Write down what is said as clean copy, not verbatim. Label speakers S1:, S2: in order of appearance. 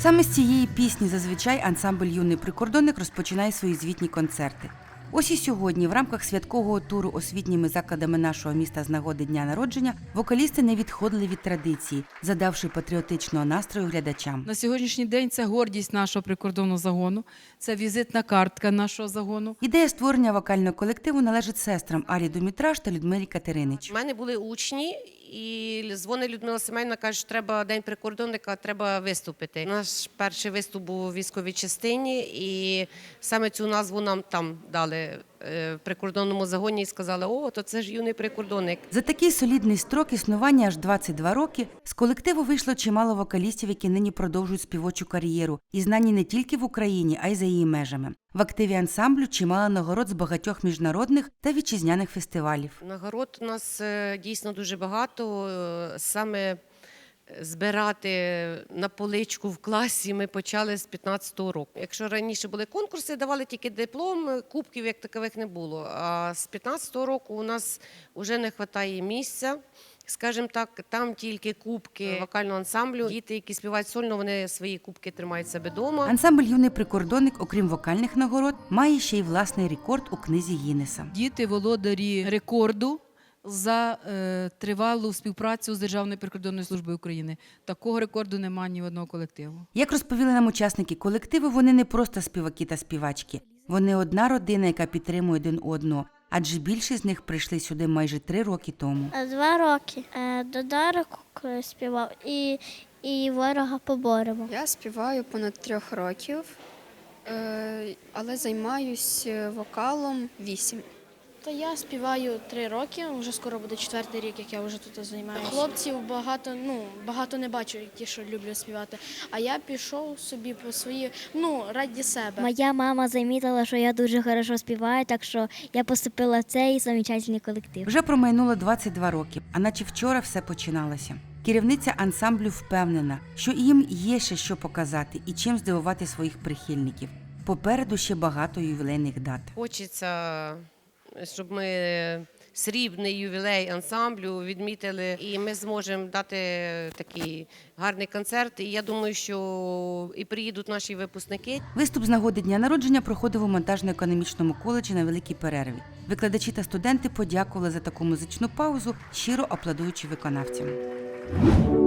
S1: Саме з цієї пісні зазвичай ансамбль «Юний прикордонник» розпочинає свої звітні концерти. Ось і сьогодні в рамках святкового туру освітніми закладами нашого міста з нагоди дня народження вокалісти не відходили від традиції, задавши патріотичного настрою глядачам.
S2: На сьогоднішній день це гордість нашого прикордонного загону, це візитна картка нашого загону.
S1: Ідея створення вокального колективу належить сестрам Алі Думітраш та Людмилі Катеринич.
S3: У мене були учні, і дзвонить Людмила Семенівна, каже, що треба День прикордонника, треба виступити. Наш перший виступ був у військовій частині, і саме цю назву нам там дали в прикордонному загоні і сказали, о, то це ж юний прикордонник.
S1: За такий солідний строк існування аж 22 роки з колективу вийшло чимало вокалістів, які нині продовжують співочу кар'єру і знані не тільки в Україні, а й за її межами. В активі ансамблю чимало нагород з багатьох міжнародних та вітчизняних фестивалів.
S3: Нагород у нас дійсно дуже багато. Саме збирати на поличку в класі ми почали з 15-го року. Якщо раніше були конкурси, давали тільки диплом, кубків як такових не було. А з 15-го року у нас вже не вистачає місця. Скажімо так, там тільки кубки вокального ансамблю. Діти, які співають сольно, вони свої кубки тримають себе вдома.
S1: Ансамбль «Юний прикордонник», окрім вокальних нагород, має ще й власний рекорд у книзі Гіннеса.
S2: Діти володарі рекорду за тривалу співпрацю з Державною прикордонною службою України. Такого рекорду немає ні в одного колективу.
S1: Як розповіли нам учасники колективу, вони не просто співаки та співачки. Вони одна родина, яка підтримує один одного. Адже більшість з них прийшли сюди майже 3 роки тому.
S4: 2 роки. До Дарику співав і ворога поборемо.
S5: Я співаю понад 3 років, але займаюся вокалом 8.
S6: Та я співаю 3 роки, вже скоро буде 4-й рік, як я вже тут займаюся. Хлопців багато не бачу, ті, що люблять співати. А я пішов собі по свої, раді себе.
S4: Моя мама замітила, що я дуже добре співаю, так що я поступила в цей замечательний колектив.
S1: Вже промайнуло 22 роки, а наче вчора все починалося. Керівниця ансамблю впевнена, що їм є ще що показати і чим здивувати своїх прихильників. Попереду ще багато ювілейних дат.
S3: Хочеться, щоб ми срібний ювілей ансамблю відмітили, і ми зможемо дати такий гарний концерт. І я думаю, що і приїдуть наші випускники.
S1: Виступ з нагоди дня народження проходив у монтажно-економічному коледжі на великій перерві. Викладачі та студенти подякували за таку музичну паузу, щиро аплодуючи виконавцям.